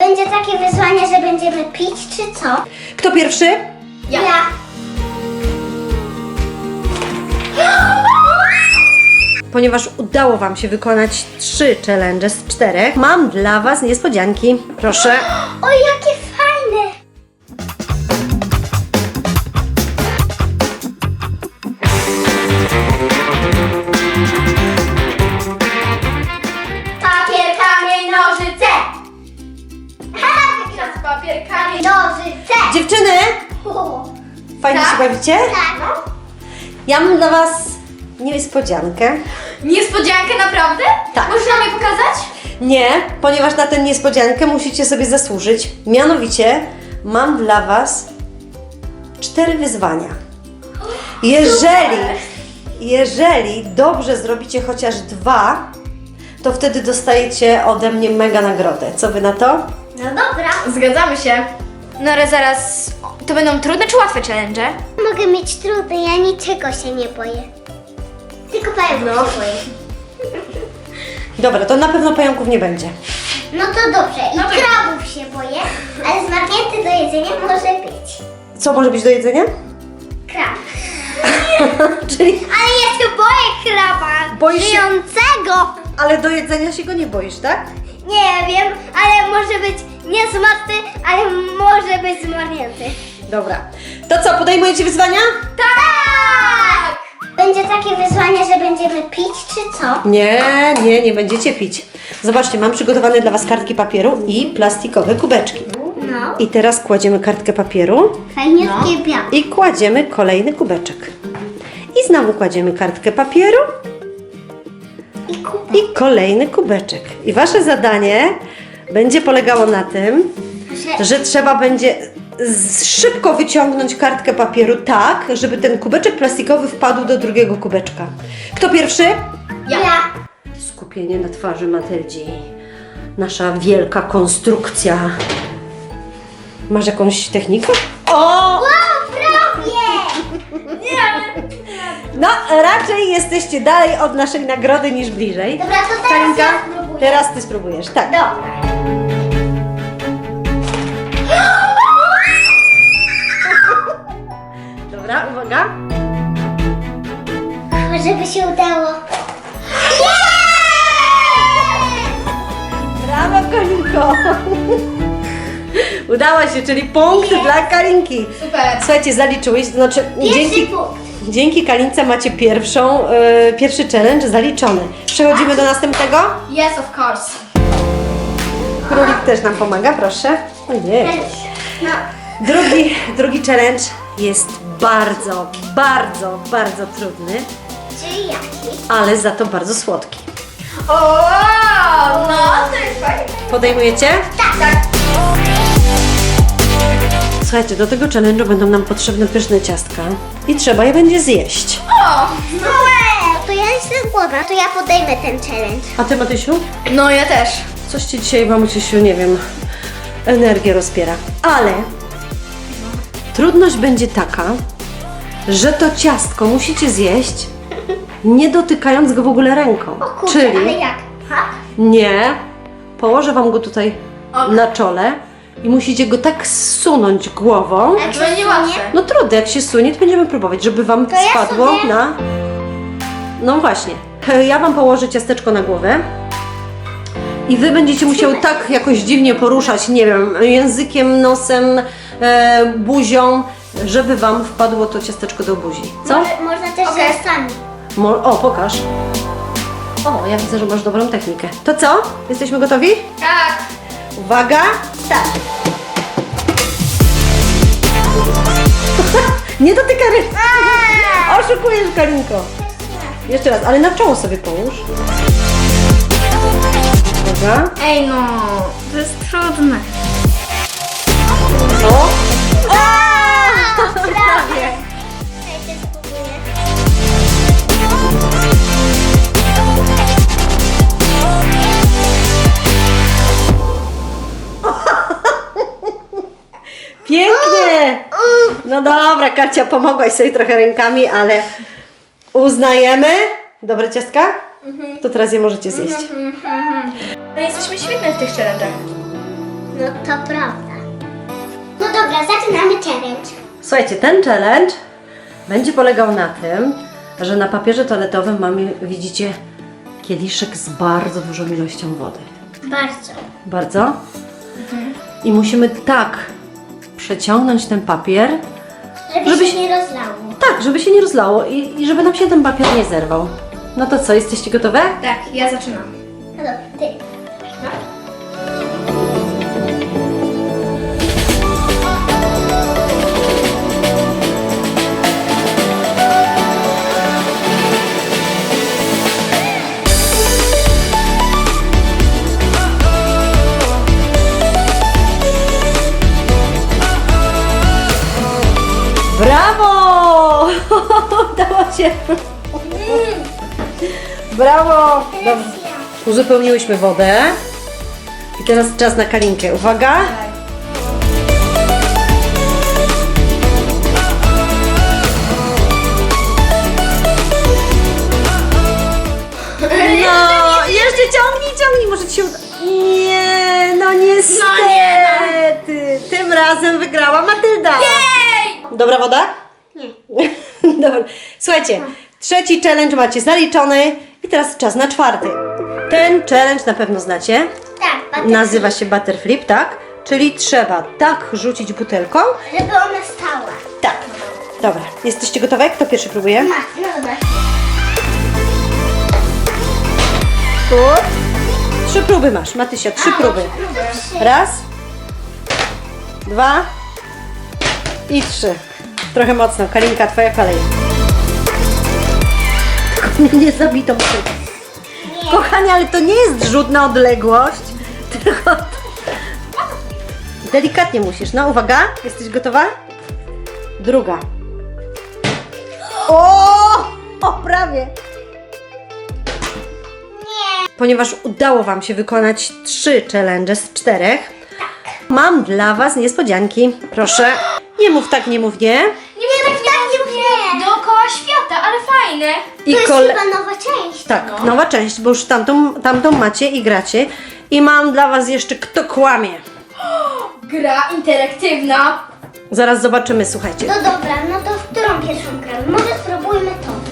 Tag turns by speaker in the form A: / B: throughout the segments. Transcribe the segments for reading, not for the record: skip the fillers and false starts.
A: Będzie takie wyzwanie, że będziemy pić, czy co?
B: Kto pierwszy?
A: Ja.
B: Ponieważ udało Wam się wykonać 3 challenge z 4, mam dla Was niespodzianki. Proszę.
A: O, jakie fajne! Papier, kamień, nożyce!
C: Teraz papier, kamień.
A: Nożyce!
B: Dziewczyny, fajnie
C: Tak?
B: się bawicie?
A: Tak.
B: Ja mam dla Was niespodziankę.
C: Niespodziankę naprawdę?
B: Tak.
C: Możesz nam je pokazać?
B: Nie, ponieważ na tę niespodziankę musicie sobie zasłużyć. Mianowicie mam dla Was 4 wyzwania. Jeżeli dobrze zrobicie chociaż 2, to wtedy dostajecie ode mnie mega nagrodę. Co Wy na to?
A: No dobra.
C: Zgadzamy się. No ale zaraz, to będą trudne czy łatwe challenge?
A: Mogę mieć trudne, ja niczego się nie boję. Tylko pająków się boję.
B: Dobra, to na pewno pająków nie będzie.
A: No to dobrze, i
C: No to-
A: krabów się boję, ale zmarnięty do jedzenia może być.
B: Co może być do jedzenia?
A: Krab.
B: Czyli,
A: Ale ja się boję kraba
B: Boisz się?
A: żyjącego.
B: ale do jedzenia się go nie boisz, tak?
A: Nie wiem, ale może być nie zmarty, ale może być zmarnięty.
B: Dobra. To co, podejmujecie wyzwania?
A: Tak! Będzie takie wyzwanie, że będziemy pić, czy co?
B: Nie będziecie pić. Zobaczcie, mam przygotowane dla Was kartki papieru i plastikowe kubeczki.
A: No.
B: I teraz kładziemy kartkę papieru
A: Fajniutkie białe.
B: i kładziemy kolejny kubeczek. I znowu kładziemy kartkę papieru
A: I kubek.
B: i kolejny kubeczek. I Wasze zadanie będzie polegało na tym, że trzeba będzie szybko wyciągnąć kartkę papieru tak, żeby ten kubeczek plastikowy wpadł do drugiego kubeczka. Kto pierwszy?
A: Ja.
B: Skupienie na twarzy Matyldzi. Nasza wielka konstrukcja. Masz jakąś technikę? O!
A: O, prawie!
B: No, raczej jesteście dalej od naszej nagrody niż bliżej.
A: Dobra, to teraz
B: Karinka,
A: ja spróbuję.
B: teraz Ty spróbujesz. Tak.
A: Dobra.
B: Dobra, uwaga.
A: Żeby się udało.
B: Brawo, Karinko. Udało się, czyli punkt dla Karinki.
C: Super.
B: Słuchajcie, zaliczyłeś, to znaczy
A: Pierwszy punkt.
B: dzięki Karince macie pierwszy challenge zaliczony. Przechodzimy do następnego.
C: Yes, of course.
B: Królik też nam pomaga, proszę. Ojej.
A: No.
B: Drugi challenge jest bardzo trudny,
A: Czyli jaki?
B: ale za to bardzo słodki.
C: O, no to jest fajnie.
B: Podejmujecie?
C: Tak.
B: Słuchajcie, do tego challenge'u będą nam potrzebne pyszne ciastka i trzeba je będzie zjeść.
C: O,
A: No to ja jestem głodna, to ja podejmę ten challenge.
B: A Ty, Matysiu?
C: no ja też.
B: Coś Ci dzisiaj, mamusiu, nie wiem, energię rozpiera. Ale trudność będzie taka, że to ciastko musicie zjeść, nie dotykając go w ogóle ręką.
A: O kurczę, ale
B: Czyli
A: jak? Ha?
B: nie, położę Wam go tutaj
C: Ok.
B: na czole i musicie go tak zsunąć głową.
A: Jak
C: To będzie
A: się
C: łatwe.
B: No trudno, jak się sunie, to będziemy próbować, żeby Wam
A: ja
B: spadło
A: sobie-
B: na... No właśnie. Ja Wam położę ciasteczko na głowę i Wy będziecie musiały tak jakoś dziwnie poruszać, nie wiem, językiem, nosem, buzią, żeby Wam wpadło to ciasteczko do buzi. Co?
A: Można też
C: Okej.
A: rzęsami.
B: O, pokaż. O, ja widzę, że masz dobrą technikę. To co? Jesteśmy gotowi?
C: Tak.
B: Uwaga!
A: Tak.
B: Nie dotyka ręki! Oszukujesz, Karinko! Jeszcze raz, ale na czoło sobie połóż. Uwaga.
C: Ej no, to jest trudne.
B: O!
A: Prawie. Czekajcie, spróbuję.
B: Pięknie! No dobra, Kacia, pomogłaś sobie trochę rękami, ale uznajemy. Dobre ciastka? To teraz je możecie zjeść.
C: No jesteśmy świetne w tych challenge'ach.
A: No to prawda. No dobra, zaczynamy challenge.
B: Słuchajcie, ten challenge będzie polegał na tym, że na papierze toaletowym mamy, widzicie, kieliszek z bardzo dużą ilością wody.
A: Bardzo.
B: Bardzo? I musimy tak przeciągnąć ten papier,
A: Żeby się nie rozlało.
B: tak, żeby się nie rozlało i żeby nam się ten papier nie zerwał. No to co, jesteście gotowe?
C: Tak, ja zaczynam.
A: No dobra, ty. No.
B: Brawo! Udało się! Brawo! Dobrze. Uzupełniłyśmy wodę. I teraz czas na Karinkę. Uwaga! No, jeszcze ciągnij, może ci się uda. Nie, no niestety. Tym razem wygrała Matylda. Dobra woda?
A: Nie.
B: Dobra. Słuchajcie, trzeci challenge macie zaliczony i teraz czas na czwarty. Ten challenge na pewno znacie.
A: Tak,
B: Nazywa się Butterflip, tak? Czyli trzeba tak rzucić butelką.
A: żeby ona stała.
B: Tak. Dobra, jesteście gotowe? Kto pierwszy próbuje?
A: No dobra.
B: Good. 3 próby masz, Matysia, 3 próby. Raz, 2 i 3. Trochę mocno. Karinka, twoja kolej. Tylko mnie nie zabito butelką. Kochanie, ale to nie jest rzut na odległość, tylko delikatnie musisz. No, uwaga, jesteś gotowa? Druga. O, prawie. Ponieważ udało Wam się wykonać 3 challenge z 4, mam dla Was niespodzianki. Proszę, nie mów tak, nie mów nie.
C: Nie wiem, nie dookoła świata, ale fajne.
B: I
A: To jest chyba nowa część.
B: Tak, nowa część, bo już tamtą macie i gracie. I mam dla Was jeszcze Kto kłamie.
C: Gra interaktywna.
B: Zaraz zobaczymy, słuchajcie.
A: No dobra, no to w którą pierwszą gramy? Może spróbujmy to.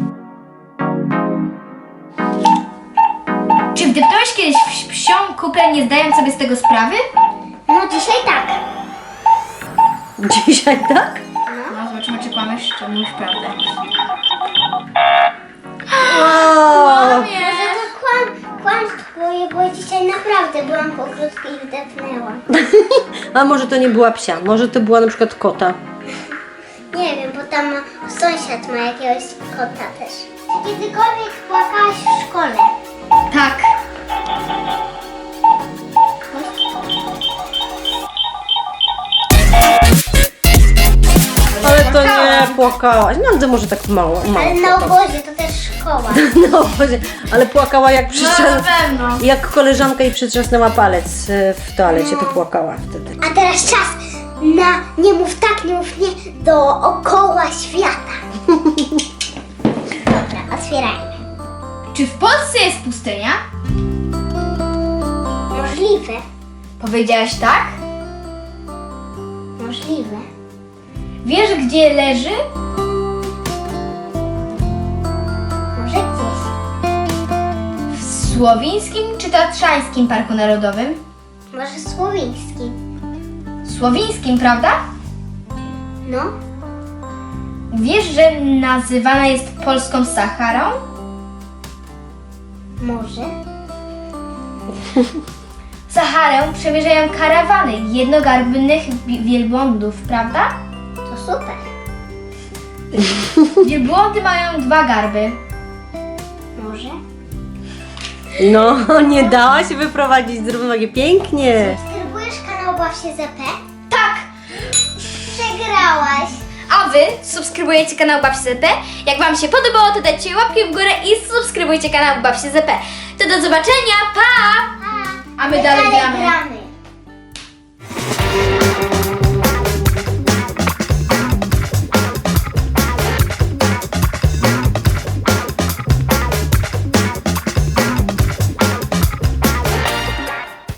C: Czy wdepnąłeś kiedyś w psią kuplę, nie zdając sobie z tego sprawy?
A: No dzisiaj tak.
B: Dzisiaj tak?
C: No, zobaczymy, czy kłamiesz, czy mówisz prawdę.
B: O,
A: Może to kłamstwo, bo dzisiaj naprawdę byłam po krótku i wdepnęłam.
B: a może to nie była psia, może to była na przykład kota.
A: Nie wiem, bo tam sąsiad ma jakiegoś kota też. Czy kiedykolwiek płakałaś w szkole?
C: Tak.
B: Ale to nie płakałaś. No to może tak mało.
A: Ale na obozie to też szkoła.
B: No, Boże, ale płakała jak
C: pewno.
B: jak koleżanka jej przytrzasnęła palec w toalecie, to płakała wtedy.
A: A teraz czas na nie mów tak, nie mów nie dookoła świata. Dobra, otwierajmy.
C: Czy w Polsce jest pustynia?
A: Możliwe,
C: Powiedziałaś tak?
A: możliwe.
C: Wiesz, gdzie leży?
A: Może gdzieś.
C: W Słowińskim czy Tatrzańskim Parku Narodowym?
A: Może słowiński.
C: Słowińskim, prawda?
A: No,
C: Wiesz, że nazywana jest polską Saharą?
A: może.
C: Saharę przemierzają karawany jednogarbnych wielbłądów, prawda?
A: To super.
C: Wielbłądy mają 2 garby.
A: Może.
B: No, nie dała się wyprowadzić z równowagi. Pięknie.
A: Subskrybujesz kanał Baw się ZP?
C: Tak!
A: Przegrałaś.
C: A Wy subskrybujecie kanał Baw się ZP. Jak Wam się podobało, to dajcie łapkę w górę i subskrybujcie kanał Baw się ZP. To do zobaczenia, pa!
A: Pa.
C: A my dalej gramy.